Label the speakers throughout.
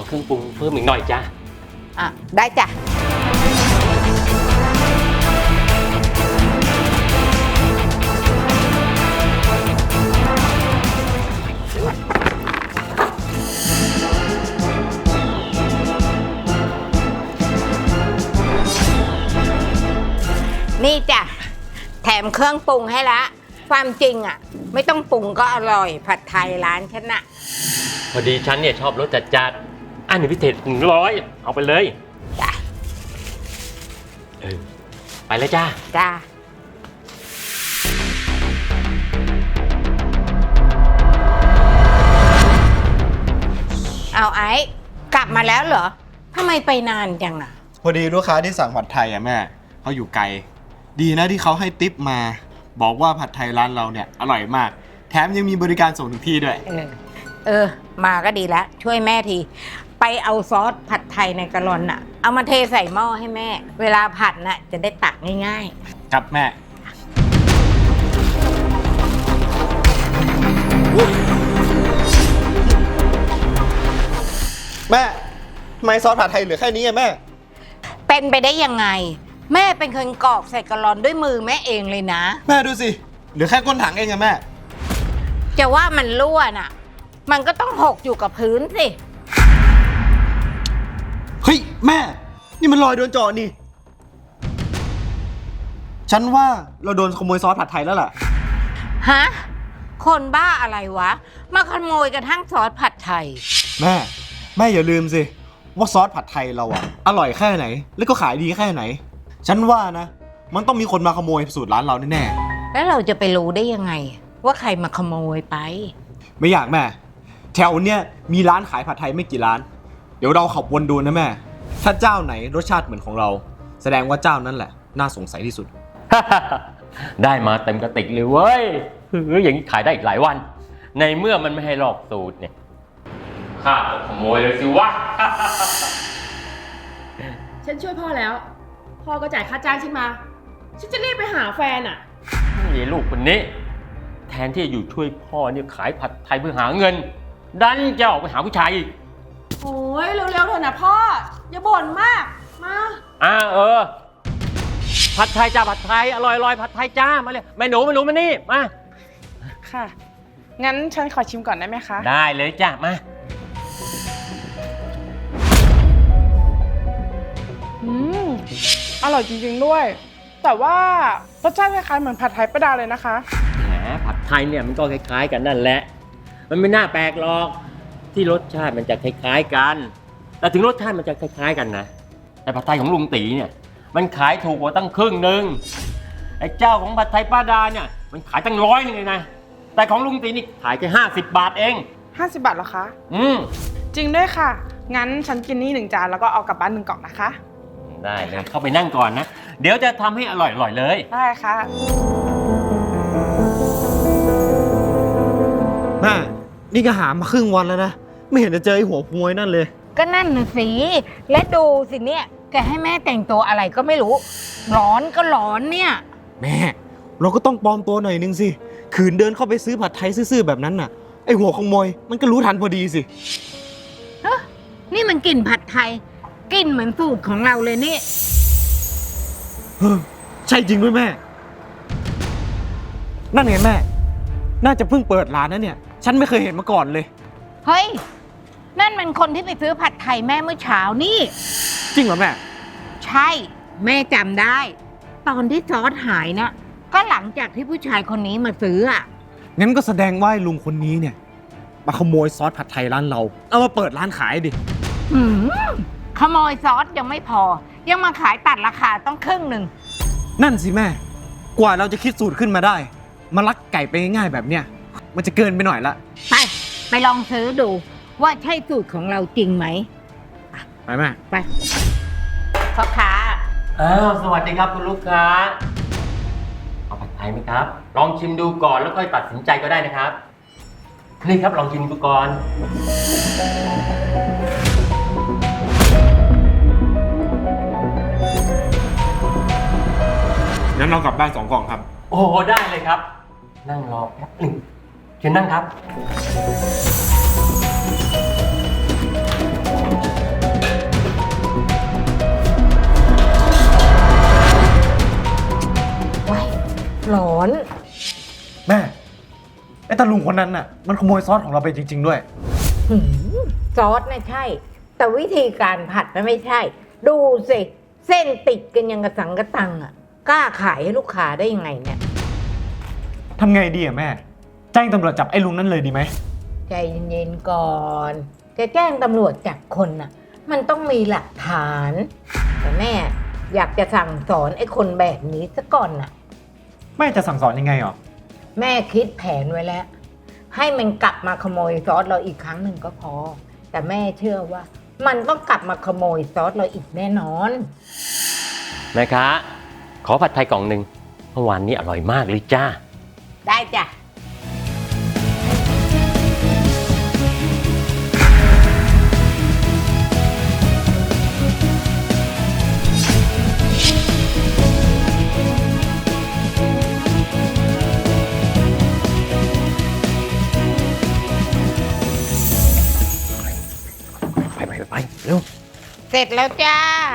Speaker 1: เครื่องปรุงเพิ่มอีกหน่อยจ้ะ
Speaker 2: อ่ะได้จ้ะนี่จ้ะแถมเครื่องปรุงให้ละความจริงอ่ะไม่ต้องปรุงก็อร่อยผัดไทยร้านฉันน่ะ
Speaker 1: พอดีฉันเนี่ยชอบรสจัดอันนี้พิเศษ100เอาไปเลย
Speaker 2: จ้ะ
Speaker 1: ไปเลยจ้า
Speaker 2: จ้าเอาไอ้กลับมาแล้วเหรอทำไมไปนานจังอ่ะ
Speaker 3: พอดีลูกค้าที่สั่งผัดไทยอะแม่เขาอยู่ไกลดีนะที่เขาให้ทิปมาบอกว่าผัดไทยร้านเราเนี่ยอร่อยมากแถมยังมีบริการส่งถึงที่ด้วย
Speaker 2: มาก็ดีแล้วช่วยแม่ทีไปเอาซอสผัดไทยในกะลอนน่ะเอามาเทใส่หม้อให้แม่เวลาผัดน่ะจะได้ตักง่าย
Speaker 3: ๆครับแม่แม่ทำไมซอสผัดไทยเหลือแค่นี้อะแม่
Speaker 2: เป็นไปได้ยังไงแม่เป็นคนกรอกใส่กะลอนด้วยมือแม่เองเลยนะ
Speaker 3: แม่ดูสิเหลือแค่ก้นถังเองอะแม่
Speaker 2: จะว่ามันรั่วน่ะมันก็ต้องหกอยู่กับพื้นสิ
Speaker 3: เฮ้ยแม่นี่มันรอยโดนเจาะนี่ฉันว่าเราโดนขโมยซอสผัดไทยแล้วล่ะ
Speaker 2: ฮะคนบ้าอะไรวะมาขโมยกระทั่งซอสผัดไทย
Speaker 3: แม่อย่าลืมสิว่าซอสผัดไทยเราอะอร่อยแค่ไหนแล้วก็ขายดีแค่ไหนฉันว่านะมันต้องมีคนมาขโมยสูตรร้านเราแน่
Speaker 2: ๆแล้วเราจะไปรู้ได้ยังไงว่าใครมาขโมยไป
Speaker 3: ไม่อยากแม่แถวเนี้ยมีร้านขายผัดไทยไม่กี่ร้านเดี๋ยวเราขับวนดูนะแม่ถ้าเจ้าไหนรสชาติเหมือนของเราแสดงว่าเจ้านั้นแหละน่าสงสัยที่สุด
Speaker 1: ได้มาเต็มกระติกเลยเว้ยอย่างนี้ขายได้อีกหลายวันในเมื่อมันไม่ให้ลอกสูตรเนี่ยข้าขโมยเลยสิวะ
Speaker 4: ฉันช่วยพ่อแล้วพ่อก็จ่ายค่าจ้างฉันมาฉันจะรีบไปหาแฟนอ่ะ
Speaker 1: นี่ลูกคนนี้แทนที่จะอยู่ช่วยพ่อเนี่ยขายผัดไทยเพื่อหาเงินดันจะออกไปหาผู้ชายอีก
Speaker 4: โอ้ยเร็วๆเถอะนะพ่ออย่าบ่นมากมา
Speaker 1: ผัดไทยจ้าผัดไทยอร่อยผัดไทยจ้ามาเลยแม่หนูมานี่มา
Speaker 4: ค่ะงั้นฉันขอชิมก่อนได้ไหมคะ
Speaker 1: ได้เลยจ้ามา
Speaker 4: อร่อยจริงๆด้วยแต่ว่ารสชาติคล้ายๆเหมือนผัดไทยป้าดาเลยนะคะ
Speaker 1: แหมผัดไทยเนี่ยมันก็คล้ายๆกันนั่นแหละมันไม่น่าแปลกหรอกที่รสชาติมันจะคล้ายๆกันแต่ถึงรสชาติมันจะคล้ายๆกันนะแต่ผัดไทยของลุงตีเนี่ยมันขายถูกกว่าตั้งครึ่งนึงไอ้เจ้าของผัดไทยป้าดาเนี่ยมันขายตั้ง100นึงเลยนะแต่ของลุงตีนี่ขายแค่50 บาทเอง
Speaker 4: 50 บาทเหรอคะจริงด้วยค่ะงั้นฉันกินนี่1 จานแล้วก็เอากลับบ้าน1 กล่องนะคะ
Speaker 1: ได้เลยเข้าไปนั่งก่อนนะเดี๋ยวจะทำให้อร่อยๆเลย
Speaker 4: ได้ค่ะ
Speaker 3: แม่นี่ก็หามาครึ่งวันแล้วนะไม่เห็นจะเจอไอ้หัวขโมยนั่นเลย
Speaker 2: ก็นั่นน่ะสิและดูสิเนี่ยแกให้แม่แต่งตัวอะไรก็ไม่รู้ร้อนก็ร้อนเนี่ย
Speaker 3: แม่เราก็ต้องปลอมตัวหน่อยนึงสิขืนเดินเข้าไปซื้อผัดไทยซื่อๆแบบนั้นน่ะไอ้หัวขโมยมันก็รู้ทันพอดีสิ
Speaker 2: นี่มันกลิ่นผัดไทยกลิ่นเหมือนสูตรของเราเลยนี่
Speaker 3: ใช่จริงด้วยแม่นั่นไงแม่น่าจะเพิ่งเปิดร้านนะเนี่ยฉันไม่เคยเห็นมาก่อนเลย
Speaker 2: เฮ้ยนั่นมันคนที่ไปซื้อผัดไทยแม่เมื่อเช้านี่
Speaker 3: จริงเหรอแม่
Speaker 2: ใช่แม่จำได้ตอนที่ซอสหายนะก็หลังจากที่ผู้ชายคนนี้มาซื้ออ่ะ
Speaker 3: งั้นก็แสดงว่าลุงคนนี้เนี่ยมาขโมยซอสผัดไทยร้านเราเอามาเปิดร้านขายดิ
Speaker 2: ขโมยซอสยังไม่พอยังมาขายตัดราคาต้องครึ่งนึง
Speaker 3: นั่นสิแม่กว่าเราจะคิดสูตรขึ้นมาได้มาลักไก่ไปง่ายๆแบบเนี้ยมันจะเกินไปหน่อยละ
Speaker 2: ไปลองซื้อดูว่าใช่สูตรของเราจริงไหม
Speaker 3: ไปแม่
Speaker 2: ไปพ่อค้า
Speaker 1: สวัสดีครับคุณลูกค้าเอาผัดไทยไหมครับลองชิมดูก่อนแล้วค่อยตัดสินใจก็ได้นะครับนี่ครับลองชิมดูก่อน
Speaker 3: งั้นเรากลับบ้าน2 กล่องครับ
Speaker 1: โอ้ได้เลยครับนั่งรอแป๊บหนึ่งเชิญนั่งครับ
Speaker 3: ตาลุงคนนั้นน่ะมันขโมยซอสของเราไปจริง ๆ ด้วย
Speaker 2: หืมซอสน่ะใช่ แต่วิธีการผัดน่ะไม่ใช่ ดูสิ เส้นติดกันยังกระสังกระตังอ่ะ กล้าขายให้ลูกค้าได้ยังไงเนี่ย
Speaker 3: ทำไงดีอะแม่ แจ้งตำรวจจับไอ้ลุงนั่นเลยดีไหม
Speaker 2: ใจเย็นๆก่อน จะแจ้งตำรวจจับคนน่ะ มันต้องมีหลักฐาน แต่แม่อยากจะสั่งสอนไอ้คนแบบนี้ซะก่อนน่ะ
Speaker 3: แม่จะสั่งสอนยังไงหรอ
Speaker 2: แม่คิดแผนไว้แล้ว ให้มันกลับมาขโมยซอสเราอีกครั้งหนึ่งก็พอ แต่แม่เชื่อว่า มันต้องกลับมาขโมยซอสเราอีกแน่นอน
Speaker 1: แม่ค้าขอผัดไทยกล่องหนึ่งเมื่อวานนี้อร่อยมากเลยจ้า
Speaker 2: ได้จ้ะ
Speaker 1: ไปเร็ว
Speaker 2: เสร็จแล้วจ้า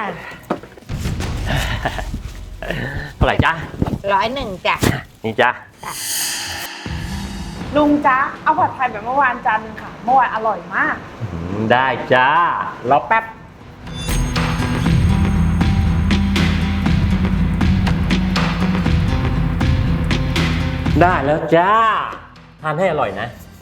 Speaker 1: เท่าไหร่จ้า
Speaker 2: 101จ้ะ
Speaker 1: นี่จ้า
Speaker 4: ลุงจ๊ะเอาผัดไทยแบบเมื่อวานจานนึงค่ะ เมื่อวานอร่อยมาก
Speaker 1: ได้จ้ารอแป๊บ ได้แล้วจ้า ทานให้อร่อยนะ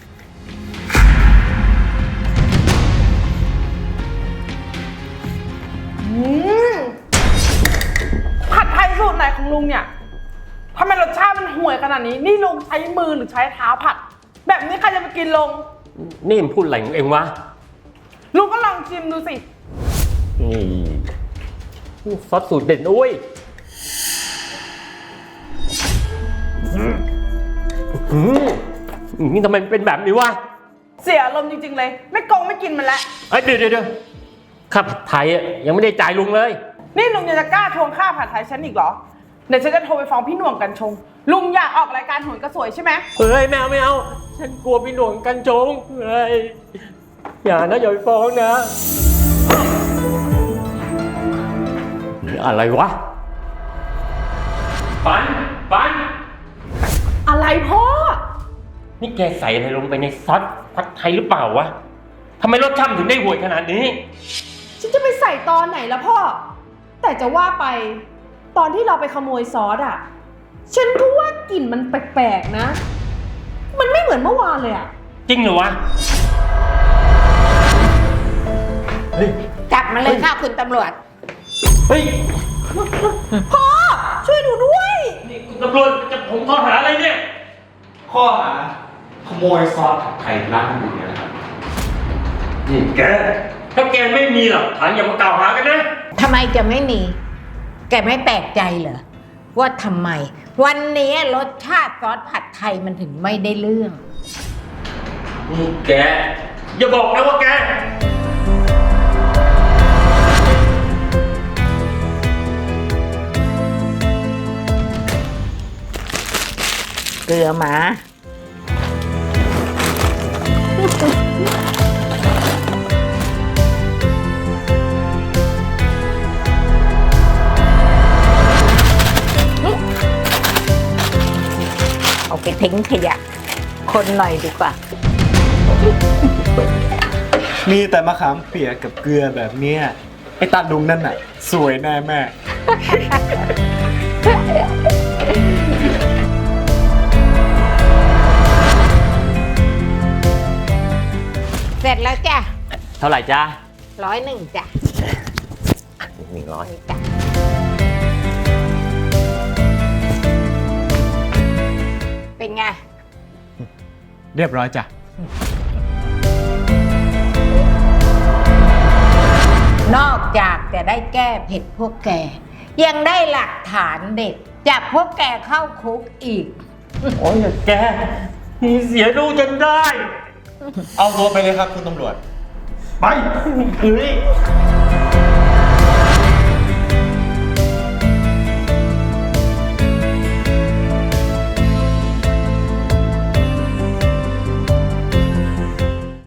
Speaker 4: ผัดไทยสูตรไหนของลุงเนี่ยทำไมรสชาติมันห่วยขนาดนี้ นี่ลุงใช้มือหรือใช้เท้าผัด แบบนี้ใครจะไปกินลง
Speaker 1: นี่มันพูดอะไรของเองวะ
Speaker 4: ลุงก็ลองชิมดูสิ
Speaker 1: นี่ซอสสูตรเด็ดอุ้ยนี่ทำไมมันเป็นแบบนี้วะ
Speaker 4: เสียอารมณ์จริงๆเลย ไม่โกงไม่กินมันแล้ว
Speaker 1: เอ้ยเดี๋ยวข้าผัดไทยอะยังไม่ได้จ่ายลุงเลย
Speaker 4: นี่ลุงยังจะกล้าทวงค่าผัดไทยฉันอีกเหรอ เดี๋ยวฉันจะโทรไปฟ้องพี่หน่วงกันชง ลุงอยากออกรายการโหนกระสวยใช่ไหม
Speaker 1: เฮ้ยไม่เอา ฉันกลัวพี่หน่วงกันโจงเฮ้ยอย่านะอย่าไปฟ้องนะนี่อะไรวะปัน
Speaker 4: อะไรพ่อ
Speaker 1: นี่แกใส่อะไรลงไปในซอสผัดไทยหรือเปล่าวะทำไมรสชาติมันถึงได้ห่วยขนาดนี้
Speaker 5: ฉันจะไปใส่ตอนไหนละพ่อ แต่จะว่าไปตอนที่เราไปขโมยซอสอ่ะ ฉันก็ว่ากลิ่นมันแปลกๆนะ มันไม่เหมือนเมื่อวานเลยอ่ะ
Speaker 1: จริงเหรอวะเฮ้ย
Speaker 2: จับมาเลยค่ะคุณตำรวจ
Speaker 1: เฮ้ย
Speaker 5: พ่อ ช่วยหนูด้วย
Speaker 1: นี่คุณตำรวจจะผมข้อหาอะไรเนี่ย
Speaker 3: ข้อหาขโมยซอสผัดไทยร้านอื่นเนี่ยนะครับ
Speaker 1: นี่แก ถ้าแกไม่มีหลักฐานอย่ามากล่าวหากันนะ
Speaker 2: ทำไมจะไม่มี แกไม่แปลกใจเหรอ ว่าทำไม วันนี้รสชาติซอสผัดไทยมันถึงไม่ได้เรื่อง
Speaker 1: นี่แก อย่าบอกนะว่าแก
Speaker 2: เกลือหมา เอาไปทิ้งขยะ คนหน่อยดีกว่า
Speaker 3: มีแต่มะขามเปียกกับเกลือแบบเนี้ยไอ้ตาลุงนั่นน่ะ สวยแน่แม่
Speaker 2: เสร็จแล้วจ้ะ
Speaker 1: เท่าไหร่จ้า
Speaker 2: 101จ้ะ
Speaker 1: 100
Speaker 2: นี่จ้ะ เป็นไง
Speaker 3: เรียบร้อยจ้ะ
Speaker 2: นอกจากจะได้แก้เผ็ดพวกแก ยังได้หลักฐานเด็ดจับพวกแกเข้าคุกอีก
Speaker 1: โอ้ยอย่าแกนี่เสียดูจนได้
Speaker 3: เอาตัวไปเลยครับคุณตำรวจ
Speaker 1: ไปเฮ้ย